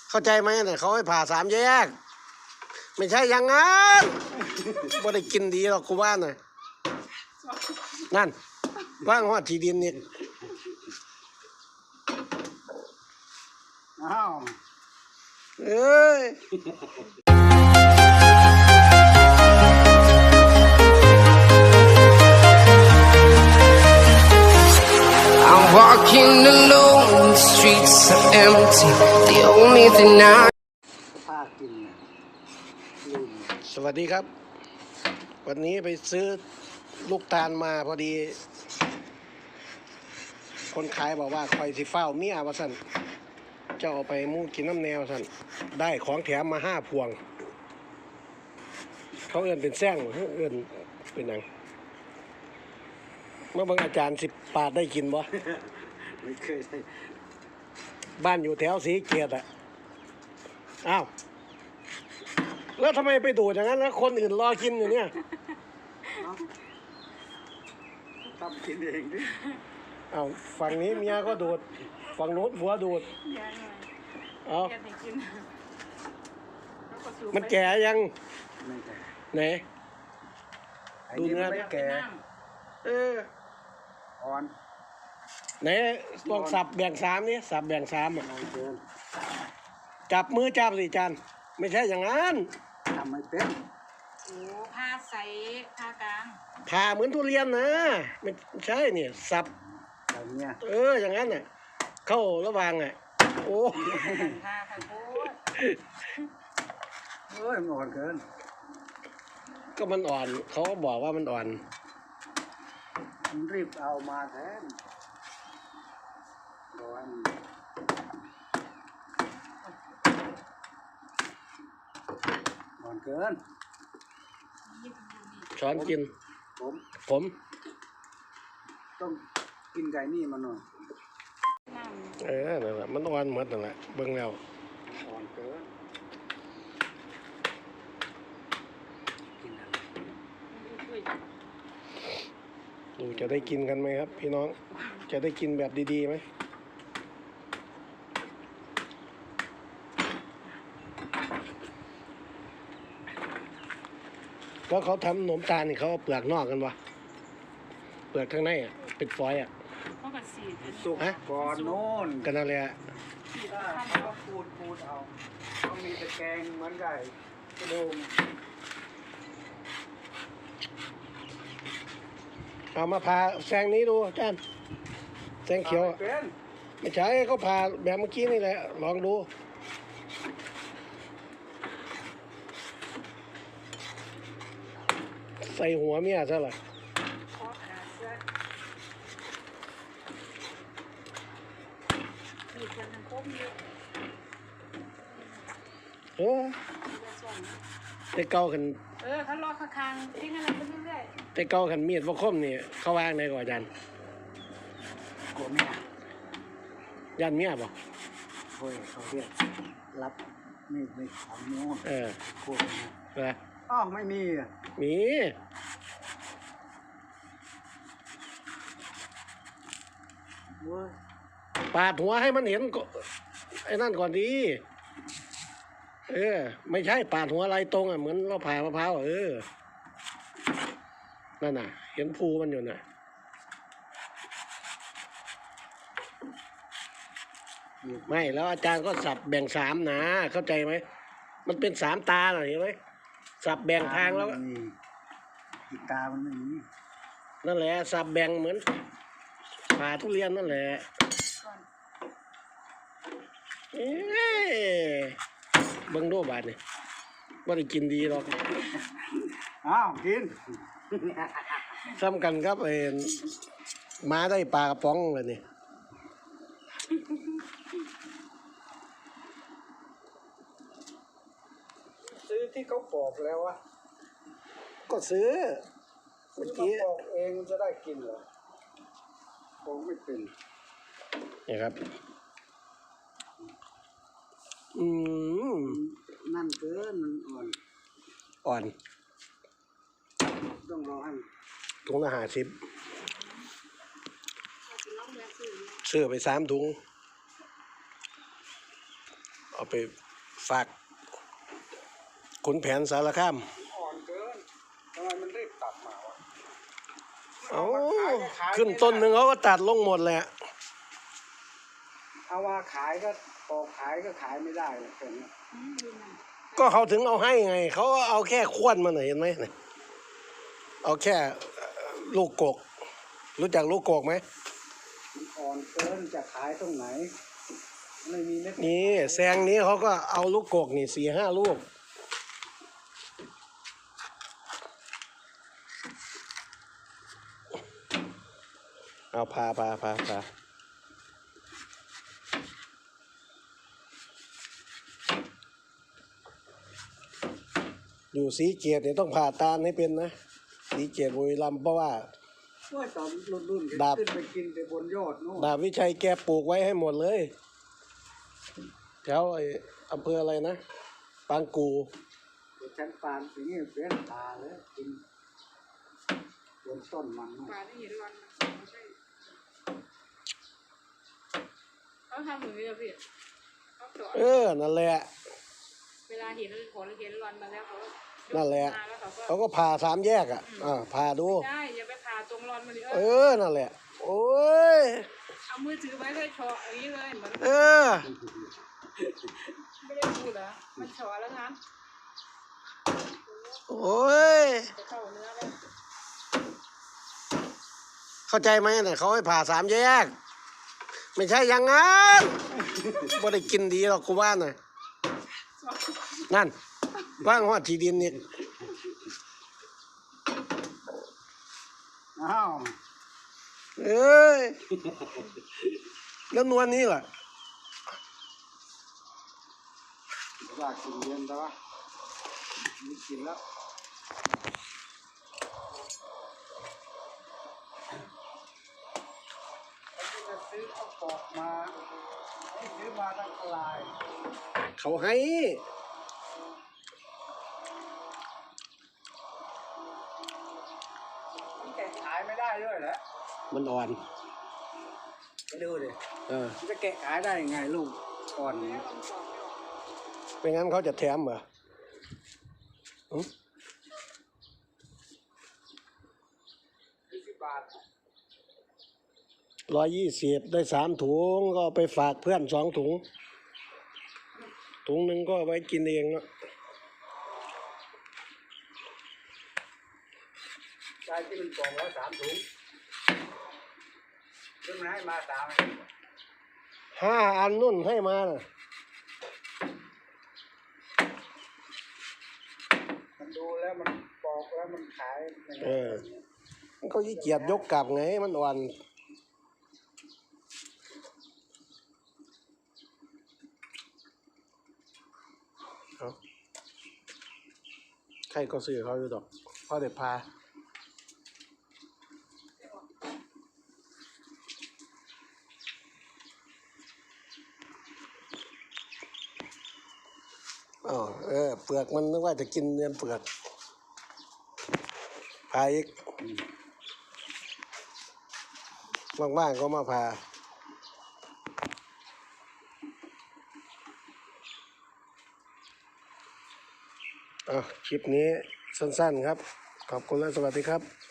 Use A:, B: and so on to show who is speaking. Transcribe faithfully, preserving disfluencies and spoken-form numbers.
A: เข้าใจไหมเนี่ยเขาให้ผ่าสามแยกไม่ใช่อย่างนั้นบ่ได้กินดีหรอกกูว่าน่ะนั่นว่างหอดที่ดินนี่
B: อ้าว
A: เอ้ย
C: Walking alone, the streets are empty. The only thing I
B: ผ้ากินลืม
A: สวัสดีครับวันนี้ไปซื้อลูกตาลมาพอดีคนขายบอกว่าคอยสิเฝ้าเมียว่าสั่นเจ้าเอาไปมูกินน้ำแนวสั่นได้ของแถมมาห้าพวงเขาเอื้อนเป็นแซงเอื้อนเป็นหยังเมื่อบางอาจารย์สิบปาดได้กินบ่
B: ไม่เคยได้
A: บ้านอยู่แถวสีเกียรติอ่ะอ้าวแล้วทำไมไปดูดอย่างนั้นแล้วคนอื่นรอกินอยู่เนี่ย
B: ทำกินเองดิ
A: อ้าวฝั่งนี้เมียก็ดูดฝั่งโน้นผัวดูดเอา มันแก่ยัง
B: ไม่แก่
A: ไหน
B: ไอ้นี่มันไม่แก่
A: เออ
B: อ่อน
A: ไหนลองสับแบ่งสามนี่สับแบ่งสามอ่ะ
B: อ่อนเกิน
A: จับมือจับสิจานไม่ใช่อย่างนั้น
B: ทำไม่เป็น
D: โอ้ผ้าใสผ้ากลาง
A: ผ่าเหมือนทุเรียนนะไม่ใช่เนี่ยสับ
B: อย่างเงี้ย
A: เอออย่างนั้นน่ะเข้าระหว่างอ่ะโอ้
D: ผ้าข้าวโพด
B: เอ้ยมันอ่อนเกิน
A: ก็มันอ่อนเขาก็บอกว่ามันอ่อน
B: มันรีบเอามาแทนร้อนอ่อนเกิน
A: ช้อนกิน
B: ผม
A: ผม
B: ต้องกินไก่นี่มาหน่อย
D: น้ำ
A: เออนั่นแหละมันอ่อนหมดนั่นแหละเบิ่งแล้ว
B: อ่อนเกินกินอะไร
D: อุ้ย
A: ดูจะได้กินกันไหมครับ พี่น้องจะได้กินแบบดีๆไหมแล้วเขาทำขนมตาลนี่เขาเอาเปลือกนอกกันวะเปลือกข้างในอ่ะเป็นฟอยล์อ่ะ
D: เขาก็สีด
B: สุกก่อนโน่น
A: กันนั่นแหละ
D: สีด
B: ถ้า
D: ข้าง
B: เขาก็พูดพูดเอาเขามีตะแกรงเหมือนไก่กระดูม
A: เอามาผ่าแซงนี้ดูอาจารย์แซงเขียวอะ
B: เป็น
A: ไม่ใช่เขาผ่าแบบเมื่อกี้นี่แหละลองดูใส่หัวเมียซะล่ะ
D: คอขาเสื้อมีคนทางโค้งเยอะ
A: เออ
D: เยอะส่วน
A: แต่เก่ากัน
D: เออเขารอข้างๆทิ้งอะไรไปเรื่อย
A: แต่เก่ากันมีดว่าคมนี่เขาวางในก่อนอาจารย์
B: กลัวเมีย
A: ยันเมียบ่
B: เฮ้ยเขาเรียกรับมีดไม่ของโน่น
A: เออก
B: ลัวเมีย
A: เออ
B: อ้าวไม่มีอ่ะ
A: มี
B: เว้ย
A: ปาดหัวให้มันเห็นก็ไอ้นั่นก่อนดีเออไม่ใช่ปาดหัวอะไรตรงอ่ะเหมือนเราผ่ามะพร้าวอะเออนั่นน่ะ เห็นภูมันอยู่น่ะไม่แล้วอาจารย์ก็สับแบ่งสามนะเข้าใจไหมมันเป็นสามตาน่ะเห็นไหมสับแบ่งทางแล้ว
B: มันไม่มีอีกตามันไม่มี
A: นั่นแหละสับแบ่งเหมือนผ่าทุเรียนนั่นแหละ
D: ๆก่อน
A: เอ้ยเบิ่งดูบาดนี่บ่ได้กินดีหรอก
B: อ้าวกิน
A: ซ้ำกันครับไอ้หมาได้ปลากระป๋องเลยนี่
B: ซื้อที่เขาปอกแล้ววะ
A: ก็ซื้อเมื่อ
B: ซื้อ
A: กี้
B: มาปอกเองจะได้กินเหรอปอกไม่เป็น
A: นี่ครับอืม
B: นั่นเกินมันอ่อน
A: อ่อน
B: ต้องรอให้
A: ถุงละห้าสิบ
D: เอาไปลองแวะซื้อ
A: ซื้อไปสามถุงเอาไปฝากขุนแผนสารคาม
B: อ่อนเกินทำไมมันรีบตัดมาวะ
A: เอา
B: มาขายก็ขาย
A: ขึ้น
B: ไม่ได้
A: ต้นหนึ่งเขาก็ตัดลงหมดแหละ
B: เอาว่าขายก็ปอกขายก็ขายไม่ได้เลยเป็น
D: อืมดูหน่อย
A: ก็เขาถึงเอาให้ไง เขาก็เอาแค่ขวนมันน่ะเห็นไหมเนี่ยเอาแค่เอ่อลูกกก รู้จักลูกกกไหม
B: มันอ่อนเกินจะขายตรงไหนไม่มีเม็ด
A: นี่แซงนี้เขาก็เอาลูกกกนี่สี่ห้าลูก เอาพาพาพาพาอยู่สีเกียรติเนี่ยต้องผ่าตาลให้เป็นนะ สีเกียรติบุรีรัมย์เพราะว่า
B: ช่วยตอนรุ่นรุ่นๆ
A: ดาบ
B: ขึ้นไปกินไปบนยอดนู่น
A: ดาบวิชัยแกปลูกไว้ให้หมดเลย แถวไอ้อำเภออะไรนะ ปางกู
B: เดี๋ยวฉันปานสิ่งนี้เป็นตาเลยกินบนต้นมันนู่น
D: ปลาที่เห็นร้อนมันไม่ใช่เขาทำอย่างนี้อะพี่เขาสอน
A: เออ นั่นแหละ
D: เวลาเห็นผลเห็นร้อนมาแล้วเขาก็ยก
A: นั่นแหละ
D: มาแล้วเขาก็
A: เขาก็ผ่าสามแยกอ่ะ อ่าผ่าดู
D: ได้อย่าไปผ่าตรงร้อนมันเลย
A: เอ
D: เออ
A: อ นั่นแหละ โอ้ย
D: เอามือถือไว้เลยเฉาะอย่างนี้เลยเหมือน
A: เออ
D: ไม่ได้พูดเหรอมันเฉาะแล้วงั้น
A: โอ้ย
D: จะเข้าเนื้อแล้ว
A: เข้าใจไหมเนี่ยเขาให้ผ่าสามแยก ไม่ใช่อย่างนั้นบ่ได้กินดีหรอกกูว่าน่ะ นั่นว่างหอดที่ดินนี่
B: อ้าว
A: เอ้ย แล้วนวลนี้ล่ะ
B: อยากกินเย็นแต่ว่าไม่กินแล้วแล้วที่จะซื้อเอาปอกมาที่ซื้อมาตั้งลาย
A: เขาให้
B: มันแกะขายไม่ได้ด้วยเหรอ
A: มันอ่อน
B: ไปดูดิ
A: เออ
B: มันจะแกะขายได้ยังไงลูกอ่อนนี้
A: ไม่งั้นเขาจะแถมเหรอหึ
B: ยี่สิบบาท
A: ร้อยยี่สิบได้สามถุงก็เอาไปฝากเพื่อนสองถุง ถุงหนึ่งก็เอาไว้กินเองเนาะ
B: ได้ที่มันกล่องละสามถุงซึ่งมันให้มาสาม
A: ห้าอันนุ่นให้มาน่ะ
B: มันดูแล้วมันปอกแล้วมันขายยังไง
A: เออ มันก็ยี่เกียจยกกลับไง มันอ่อนเอาใครก็ซื้อเขาอยู่ดอกพ่อเด็ดพา อ๋อเออ เปลือกมันนึกว่าจะกินเนื้อเปลือกพาอีกว่างๆก็มาพาอ่ะคลิปนี้สั้นๆครับ ขอบคุณและสวัสดีครับ